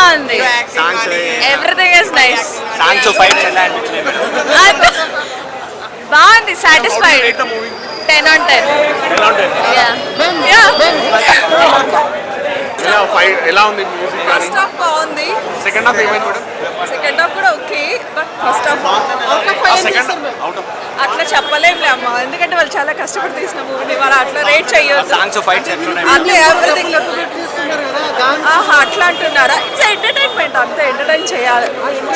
బాగుంది. Everything is nice. Songs fights ఎలా అనిపించింది? బాగుంది. సాటిస్ఫైడ్. 10 on 10. ఎలా ఉంది మ్యూజిక్? ఫస్ట్ హాఫ్ బాగుంది. సెకండ్ హాఫ్ ఏమైంది మేడం? సెకండ్ హాఫ్ కూడా ఓకే, బట్ ఫస్ట్ హాఫ్ అట్లా చెప్పలేములే అమ్మ, ఎందుకంటే వాళ్ళు చాలా కష్టపడి తీసిన మూవీని వాళ్ళు అట్లా రేట్ చేయొద్దు. సాంగ్స్ ఫైట్స్ అదే ఎవ్రీథింగ్ అట్లా అంటున్నారా? ఇట్స్ ఎంటర్టైన్మెంట్, అంతే. ఎంటర్టైన్ చేయాలి.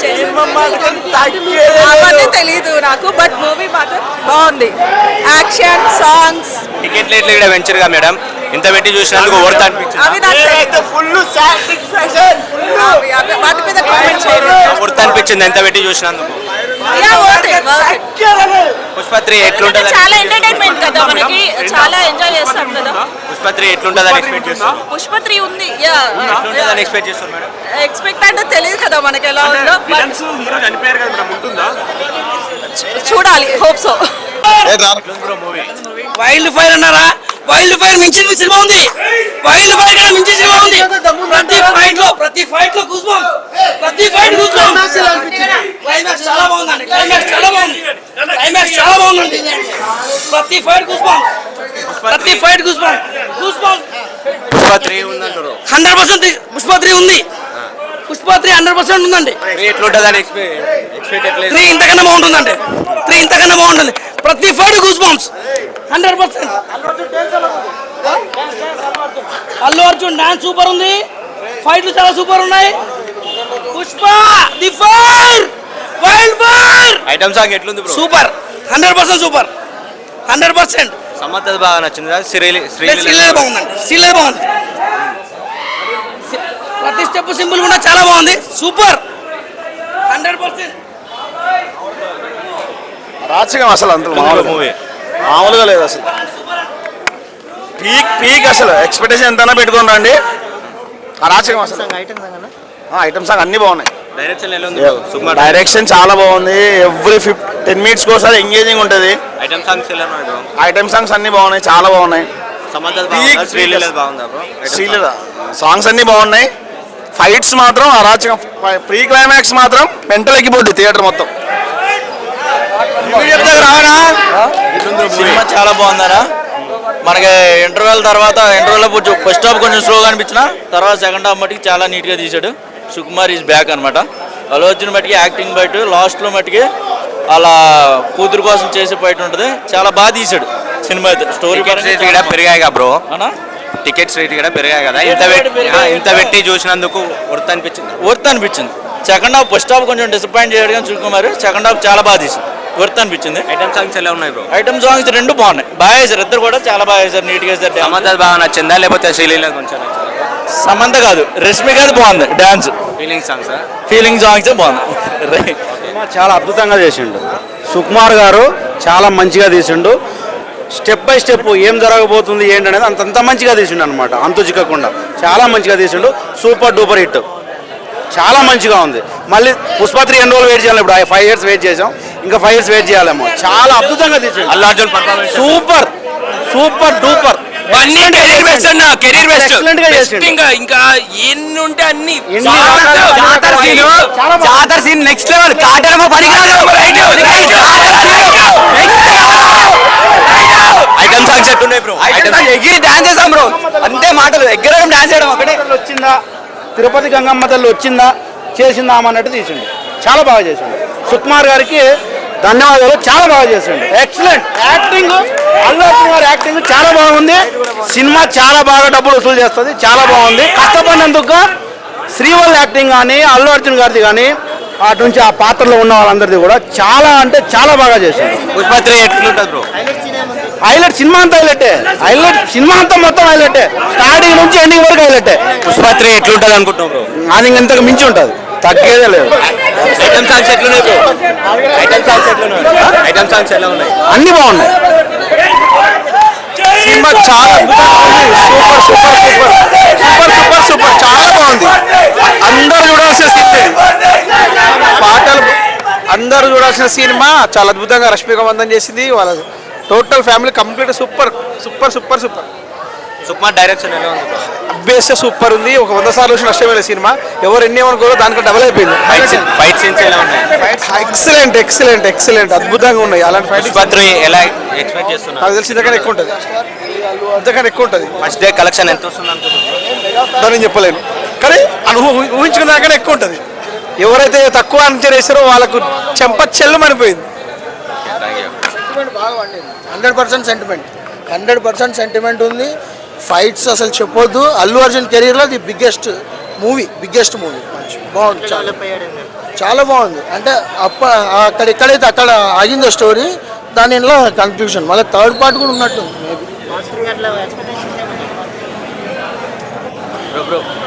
అవన్నీ తెలీదు నాకు, బట్ మూవీ మాత్రం బాగుంది. Action, songs. టికెట్ రేట్లు కూడా పెంచారుగా మేడం, ఇంత పెట్టి చూసినందుకు వర్త్ అనిపించింది. అవి నాకు ఫుల్ సాటిస్ఫాక్షన్. వాటి మీద కామెంట్ చేయలేదు. వర్త్ అనిపించింది ఎంత పెట్టి చూసినందుకు. పుష్పత్రి ఎట్లుంటది? చాలా ఎంటర్టైన్మెంట్ కదా, మనకి చాలా ఎంజాయ్ చేస్తాం కదా. పుష్పత్రి ఎట్లుంటదని ఎక్స్పెక్ట్ చేస్తాం? పుష్ప3 ఉంది. ఎట్లుంటదని ఎక్స్పెక్ట్ చేస్తారు మేడం? ఎక్స్పెక్ట్ అంటే తెలియదు కదా మనకి ఎలా ఉందో, హీరో చనిపోయారు కదా మేడం, ఉంటుందా? చూడాలి. Hope so. వైల్డ్ ఫైర్ అన్నారా? వైల్డ్ ఫైర్ మించి సినిమా ఉంది. వైల్డ్ ఫైర్ కన్నా మించి సినిమా ఉంది. ప్రతి ఫైట్ లో కూసుమాం. ప్రతి ఫైట్ కూసుమాం. క్లైమాక్స్ చాలా బాగుందండి. క్లైమాక్స్ చాలా బాగుంది. క్లైమాక్స్ చాలా బాగుందండి. ప్రతి ఫైట్ కూసుమాం. ప్రతి ఫైట్ కూసుమాం. కూసుమాం. పుష్పత్రి ఉందంటారు. 100% పుష్ప3 ఉంది. పుష్ప3 100% ఉందండి. ఎట్లుంటదని ఎక్స్పెక్ట్ 3 ఇంతకన్నా బాగుంటుందండి. 3 ఇంతకన్నా బాగుంటుంది. ప్రతి ఫైట్ కూసుమాం. 100%. అల్లు అర్జున్ డాన్స్ సూపర్ ఉంది. ఫైట్లు చాలా సూపర్ ఉన్నాయి. Pushpa the fire, wild fire. Item song ఎట్లుంది బ్రో? సూపర్. 100% సూపర్. 100%. సమ్మత్ బాగా నచ్చింది. శ్రీలీల బాగుందండి. శ్రీలీల బాగుంది. ప్రతి స్టెప్ సింపుల్ కూడా చాలా బాగుంది. సూపర్. 100%. రాచకం అసలు అంత మూవీ మామూలుగా లేదు అసలు. పీక్ అసలు ఎక్స్పెక్టేషన్ ఎంతైనా పెట్టుకుని రండి. రాచకం అసలు. ఐటమ్ సాంగ్ అన్ని బాగున్నాయి. డైరెక్షన్ ఎలా ఉంది? డైరెక్షన్ చాలా బాగుంది. ఎవ్రీ 10 minutes ఒకసారి ఎంగేజింగ్ ఉంటుంది. ఐటమ్ సాంగ్స్ ఎలా ఉన్నాయి బ్రో? ఐటమ్ సాంగ్స్ అన్ని బాగున్నాయి, చాలా బాగున్నాయి. శ్రీలీల బాగుందా బ్రో? శ్రీలీల సాంగ్స్ అన్ని బాగున్నాయి. ఫైట్స్ మాత్రం అరాచకం. ప్రీ క్లైమాక్స్ మాత్రం మెంటల్ ఎక్కిపోద్ది థియేటర్ మొత్తం. సినిమా చాలా బాగుందరా. మనకి ఇంటర్వెల్ తర్వాత ఫస్ట్ హాఫ్ కొంచెం స్లోగా అనిపించిన తర్వాత సెకండ్ హాఫ్ మట్టికి చాలా నీట్గా తీశాడు. సుకుమార్ ఈజ్ బ్యాక్ అనమాట. అల్లు అర్జున్ మట్టికి యాక్టింగ్ బయట లాస్ట్లో మట్టికి అలా కూతురు కోసం చేసే బయట ఉంటుంది. చాలా బాగా తీశాడు సినిమా అయితే. స్టోరీ కూడా పెరిగాయి కదా బ్రో, టికెట్స్ రేట్ కూడా పెరిగాయి కదా. ఇంత పెట్టి చూసినందుకు వర్త్ అనిపించింది. సెకండ్ హాఫ్ ఫస్ట్ హాఫ్ కొంచెం డిసప్పాయింట్ చేయడం కానీ సుకుమార్ సెకండ్ హాఫ్ చాలా బాగా తీశాడు. వర్త్ అనిపించింది. ఐటమ్ సాంగ్స్ ఎలా ఉన్నాయి బ్రో? ఐటమ్ సాంగ్స్ 2 బాగున్నాయి. బాగా వేశారు. ఇద్దరు కూడా చాలా బాగా వేశారు. నీట్గా వేశారు. సమంత బాగా నచ్చిందా లేకపోతే శ్రీలీల కొంచెం? సమంత కాదు, రష్మికది బాగుంది డాన్స్. ఫీలింగ్ సాంగ్స్ బాగుంది. చాలా అద్భుతంగా చేసిండు సుకుమార్ గారు. చాలా మంచిగా తీసిండు. స్టెప్ బై స్టెప్ ఏం జరగబోతుంది ఏంటనేది అంత మంచిగా తీసిండు అనమాట. అంతు చిక్కకుండా చాలా మంచిగా తీసిండు. Super duper hit. చాలా మంచిగా ఉంది. మళ్ళీ పుష్ప3 ఎన్ని రోజులు వెయిట్ చేయాలి? ఇప్పుడు 5 years వెయిట్ చేసాం, ఇంకా 5 years వెయిట్ చేయాలేమో. చాలా అద్భుతంగా తీసిండు. Allu Arjun performance super duper. Excellent గా చేసిండు. ఇంకా ఎన్ని ఉంటే అన్ని జాతర సీన్ నెక్స్ట్ లెవెల్. కాటరమ ఐటమ్ సాంగ్స్ ఎట్టున్నాయి బ్రో? ఎగిరి డాన్స్ చేసాం బ్రో, అంతే మాటలు. ఎగ్గరడం డాన్స్ చేయడం ఒకటే. వచ్చిందా తిరుపతి గంగమ్మ తల్లి వచ్చిందా చేసిందా అన్నట్టు తీసిండు. చాలా బాగా చేసిండు. సుకుమార్ గారికి ధన్యవాదాలు. చాలా బాగా చేసిండు. Excellent acting. అల్లు అర్జున్ గారి యాక్టింగ్ చాలా బాగుంది. సినిమా చాలా బాగా డబ్బులు వసూలు చేస్తుంది. చాలా బాగుంది. కష్టపడినందుకు శ్రీవల్ యాక్టింగ్ కానీ అల్లు అర్జున్ గారిది కానీ అటు నుంచి ఆ పాత్రలో ఉన్న వాళ్ళందరిది కూడా చాలా అంటే చాలా బాగా చేసిండు. పుష్పత్రి ఎట్లుంటుంది బ్రో? హైలైట్ సినిమా అంతా హైలైటే. సినిమా అంతా మొత్తం హైలైటే. స్టార్టింగ్ నుంచి ఎండింగ్ వరకు హైలైటే. పుష్పత్రి ఎట్లుంటుంది అనుకుంటున్నావు బ్రో? అది ఇంతకు మించి ఉంటుంది, తగ్గేదే లేదు. ఐటమ్ సాంగ్స్ ఎట్లున్నాయి బ్రో? ఐటమ్ సాంగ్స్ ఎలా ఉన్నాయి? అన్ని బాగున్నాయి. సినిమా చాలా super super super super super super చాలా బాగుంది. అందరూ చూడాల్సిన సినిమా. పాటలు అందరూ చూడాల్సిన సినిమా. చాలా అద్భుతంగా రష్మిక మందన్ చేసింది. వాళ్ళ total family complete super super super super. Sukumar direction ఎలా ఉంది bro? అబ్బేస్తే సూపర్ ఉంది. ఒక 100 సార్లు చూసిన నష్టమైన సినిమా. ఎవరు ఎన్ని ఏమనుకోరో దానికి డబల్ అయిపోయింది. ఫైట్ సీన్స్ ఎలా ఉన్నాయి? ఎక్సలెంట్ ఎక్సలెంట్ ఎక్సలెంట్ అద్భుతంగా ఉన్నాయి. అలాంటి ఫైట్ పుష్ప 3 ఎలా ఎక్స్పెక్ట్ చేస్తున్నారు? నాకు తెలిసి ఇంతకన్నా ఎక్కువ ఉంటుంది. ఇంతకన్నా ఎక్కువ ఉంటుంది. ఫస్ట్ డే కలెక్షన్ ఎంత వస్తుంది అనుకుంటున్నారు? దాన్ని చెప్పలేను, కానీ ఊహించుకున్న దానికన్నా ఎక్కువ ఉంటుంది. ఎవరైతే తక్కువ అంచనా వేస్తారో వాళ్ళకు చెంప చెల్లుమనిపోయింది. 100% సెంటిమెంట్ 100% సెంటిమెంట్ ఉంది. ఫైట్స్ అసలు చెప్పొద్దు. అల్లు అర్జున్ కెరీర్లో ది బిగ్గెస్ట్ మూవీ బాగుంది. చాలా బాగుంది. అంటే అక్కడ ఎక్కడైతే అక్కడ ఆగిందో స్టోరీ, దానిలో కన్క్లూషన్ మళ్ళీ థర్డ్ పార్ట్ కూడా ఉన్నట్టుంది మేబీ.